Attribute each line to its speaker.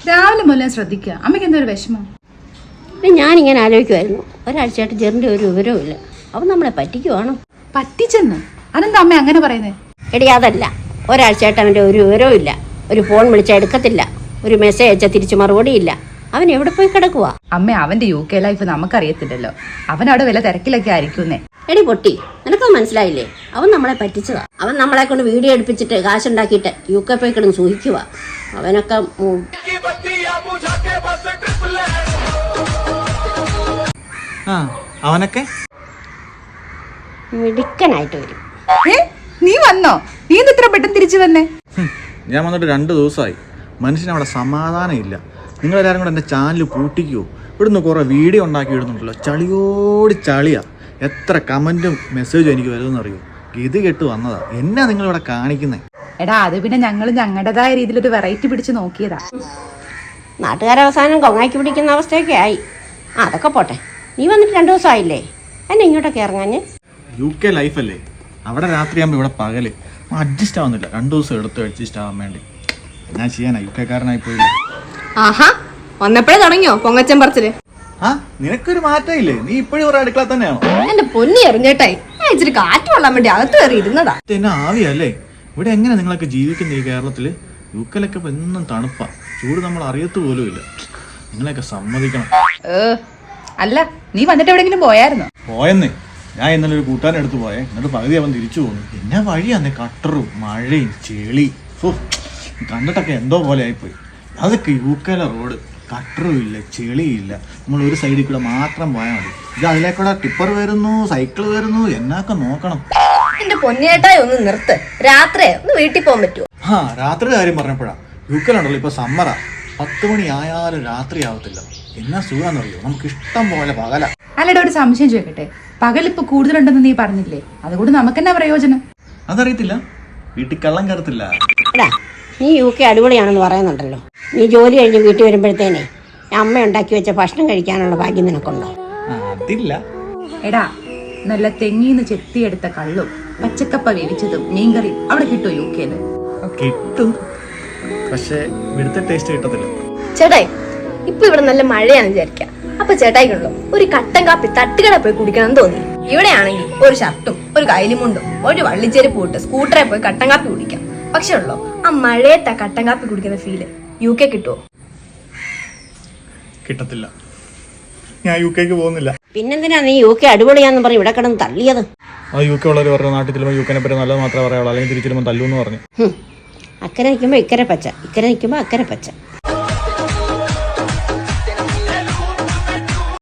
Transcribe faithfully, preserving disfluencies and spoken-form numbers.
Speaker 1: രാവിലെ മുതലേ ശ്രദ്ധിക്കുക. അമ്മയ്ക്ക് എന്തോ ഒരു വിഷമം.
Speaker 2: ഞാനിങ്ങനെ ആലോചിക്കുമായിരുന്നു, ഒരാഴ്ചയായിട്ട് ജെറിൻ്റെ ഒരു വിവരവും ഇല്ല. അവൻ നമ്മളെ പറ്റിക്കുവാണോ?
Speaker 1: പറ്റിച്ചെന്ന്? അതെന്താ അമ്മ അങ്ങനെ പറയുന്നത്?
Speaker 2: എടി അതല്ല, ഒരാഴ്ചയായിട്ട് അവൻ്റെ ഒരു വിവരവും ഇല്ല. ഒരു ഫോൺ വിളിച്ചാൽ എടുക്കത്തില്ല, ഒരു മെസ്സേജ് അയച്ചാൽ തിരിച്ചു മറുപടിയില്ല. അവൻ എവിടെ പോയി കിടക്കുവാ?
Speaker 1: അമ്മ അവന്റെ യു കെ ലൈഫ് നമുക്കറിയത്തില്ലല്ലോ. അവൻ അവിടെ വല്ല തിരക്കിലൊക്കെ ആയിരിക്കുന്നേ.
Speaker 2: എടി പൊട്ടി, നിനക്കത് മനസ്സിലായില്ലേ? അവൻ നമ്മളെ പറ്റിച്ചതാ. അവൻ നമ്മളെ കൊണ്ട് വീഡിയോ എടുപ്പിച്ചിട്ട് കാശുണ്ടാക്കിയിട്ട് യു കെ പോയി കിടന്ന് സൂഹിക്കുക. അവനൊക്കെ
Speaker 3: അവനൊക്കെ
Speaker 2: മിടുക്കനായിട്ട് വരും.
Speaker 1: നീ വന്നോ? നീ എന്ത് ഇത്ര പെട്ടെന്ന് തിരിച്ചു വന്നേ?
Speaker 3: ഞാൻ വന്നിട്ട് രണ്ട് ദിവസമായി. മനുഷ്യനവിടെ സമാധാനം ഇല്ല. നിങ്ങളെല്ലാവരും കൂടെ എൻ്റെ ചാനൽ പൂട്ടിക്കുമോ? ഇവിടുന്ന് കുറേ വീഡിയോ ഉണ്ടാക്കി ഇടുന്നുണ്ടല്ലോ, ചളിയോട് ചളിയാ. എത്ര കമൻറ്റും മെസ്സേജും എനിക്ക് വരുമെന്ന് അറിയോ? ഗതി കെട്ട് വന്നതാ. എന്നാ നിങ്ങളിവിടെ കാണിക്കുന്നേ?
Speaker 1: എടാ അത് പിന്നെ ഞങ്ങൾ ഞങ്ങളുടേതായ രീതിയിലൊരു വെറൈറ്റി പിടിച്ച് നോക്കിയതാ.
Speaker 2: നാട്ടുകാരവസാനം കൊങ്ങാക്കി പിടിക്കുന്ന അവസ്ഥയൊക്കെ ആയി. ആ അതൊക്കെ പോട്ടെ, നീ വന്നിട്ട് രണ്ടു ദിവസം ആയില്ലേ? എന്നെ ഇങ്ങോട്ടൊക്കെ ഇറങ്ങാഞ്ഞ്?
Speaker 3: യു കെ ലൈഫല്ലേ, അവിടെ രാത്രിയാകുമ്പോൾ ഇവിടെ പകല്. അഡ്ജസ്റ്റ് ആവുന്നില്ല. രണ്ടു ദിവസം എടുത്ത് അഡ്ജസ്റ്റ് ആവാൻ വേണ്ടി. ഞാൻ ചെയ്യാനാ, യു കെക്കാരനായി പോയില്ല.
Speaker 4: ആഹാ, വന്നപ്പോഴേ തുടങ്ങിയോ പൊങ്ങച്ചൻ പറച്ചില്?
Speaker 3: ആ നിനക്കൊരു മാറ്റമില്ലേ? നീ ഇപ്പോഴും ഒരു അടുക്കള തന്നെയാണോ?
Speaker 4: എന്റെ പൊന്നി എറിഞ്ഞേട്ടായി, ഞാൻ ഇച്ചിരി കാറ്റ് കൊള്ളാൻ വേണ്ടി അകത്ത് കയറി ഇരുന്നതാ.
Speaker 3: എന്നെ ആവിയല്ലേ? ഇവിടെ എങ്ങനെ നിങ്ങളൊക്കെ ജീവിക്കുന്ന ഈ കേരളത്തില്? യു കെയിലൊക്കെ ഇപ്പൊ എന്നും തണുപ്പാ, ചൂട് നമ്മൾ അറിയത്ത് പോലും ഇല്ല. നിങ്ങളെയൊക്കെ സമ്മതിക്കണം.
Speaker 1: അല്ല നീ വന്നിട്ട് എവിടെയെങ്കിലും പോയായിരുന്നോ?
Speaker 3: പോയെന്നേ, ഞാൻ ഇന്നലെ ഒരു കൂട്ടാൻ എടുത്ത് പോയേ. എന്നിട്ട് പകുതി അവൻ തിരിച്ചു പോന്നു. എന്നാ വഴിയാന്നേ, കട്ടറും മഴയും ചെളി. ഓ കണ്ടിട്ടൊക്കെ എന്തോ പോലെ ആയിപ്പോയി. അതൊക്കെ യു കെയിലെ റോഡ്, കട്ടറും ഇല്ല, ചെളിയില്ല. നമ്മൾ ഒരു സൈഡിൽ കൂടെ മാത്രം പോയാൽ മതി. ഇത് അതിലേക്കൂടെ ടിപ്പർ വരുന്നു, സൈക്കിൾ വരുന്നു, എന്നൊക്കെ നോക്കണം.
Speaker 4: എന്റെ പൊന്നിയേട്ടായി ഒന്ന് നിർത്ത്. രാത്രി ഒന്ന് വീട്ടിൽ പോകാൻ പറ്റുമോ?
Speaker 3: ആ രാത്രി കാര്യം പറഞ്ഞപ്പോഴാ, യു കെയിലുണ്ടല്ലോ ഇപ്പൊ സമ്മറാ. പത്ത് മണി ആയാലും രാത്രി ആവത്തില്ല. എന്നാ സുഖാന്നറിയോ? നമുക്ക് ഇഷ്ടം പോലെ പകല.
Speaker 1: അല്ലടാ ഒരു സംശയം ചോദിക്കട്ടെ, പകലിപ്പോ കൂടുതലുണ്ടെന്ന് നീ പറഞ്ഞില്ലേ, അതുകൊണ്ട് നമുക്ക് എന്നാ പ്രയോജനം?
Speaker 3: അതറിയത്തില്ല, വീട്ടിൽ കള്ളം കയറത്തില്ല.
Speaker 2: എടാ നീ യു കെ അടിപൊളിയാണെന്ന് പറയുന്നുണ്ടല്ലോ. നീ ജോലി കഴിഞ്ഞ് വീട്ടിൽ വരുമ്പോഴത്തേനെ അമ്മ ഉണ്ടാക്കി വെച്ച ഭക്ഷണം കഴിക്കാനുള്ള ഭാഗ്യം നിനക്കുണ്ടോ?
Speaker 3: അതില്ല.
Speaker 1: എടാ നല്ല തെങ്ങീന്ന് ചെത്തിയെടുത്ത കള്ളും പച്ചക്കപ്പ വേവിച്ചതും മീൻകറിയും അവിടെ കിട്ടുമോ യു കെയില്?
Speaker 3: കിട്ടും, പക്ഷെ ഇവിടുത്തെ ടേസ്റ്റ് കിട്ടത്തില്ല.
Speaker 4: ചേട്ടായി ഇപ്പൊ ഇവിടെ നല്ല മഴയാണെന്ന് വിചാരിക്കാം. അപ്പൊ ചേട്ടായിക്കുള്ളൂ ഒരു കട്ടൻ കാപ്പി തട്ടുകട പോയി കുടിക്കണം തോന്നി. ഇവിടെ ആണെങ്കിൽ ഒരു ഷർട്ടും ഒരു കൈലിമുണ്ടും ഒരു വള്ളിച്ചെരുപ്പ് ഇട്ട് സ്കൂട്ടറെ പോയി കട്ടൻ കാപ്പി കുടിക്കാം. പക്ഷെ ഉള്ളോ ആ മഴയത്തെ കട്ടൻ കാപ്പി കുടിക്കുന്ന ഫീല് യു കെ കിട്ടുമോ?
Speaker 3: കിട്ടത്തില്ല. ഞാൻ യു കെക്ക് പോകുന്നില്ല.
Speaker 2: പിന്നെന്തിനാ നീ യു കെ അടിപൊളിയാന്ന് പറഞ്ഞ് ഇവിടെ കിടന്ന് തള്ളിയത്?
Speaker 3: ആ യു കെ ഉള്ളവർ പറഞ്ഞ നാട്ടിൽ ചെല്ലുമ്പോൾ യു കെനെ പറ്റി നല്ലത് മാത്രമേ പറയാവുള്ളൂ, അല്ലെങ്കിൽ തിരിച്ചു തല്ലുമെന്ന് പറഞ്ഞു.
Speaker 2: അക്കരെ നിൽക്കുമ്പോൾ ഇക്കരെ പച്ച, ഇക്കരെ നിൽക്കുമ്പോൾ അക്കരെ പച്ച.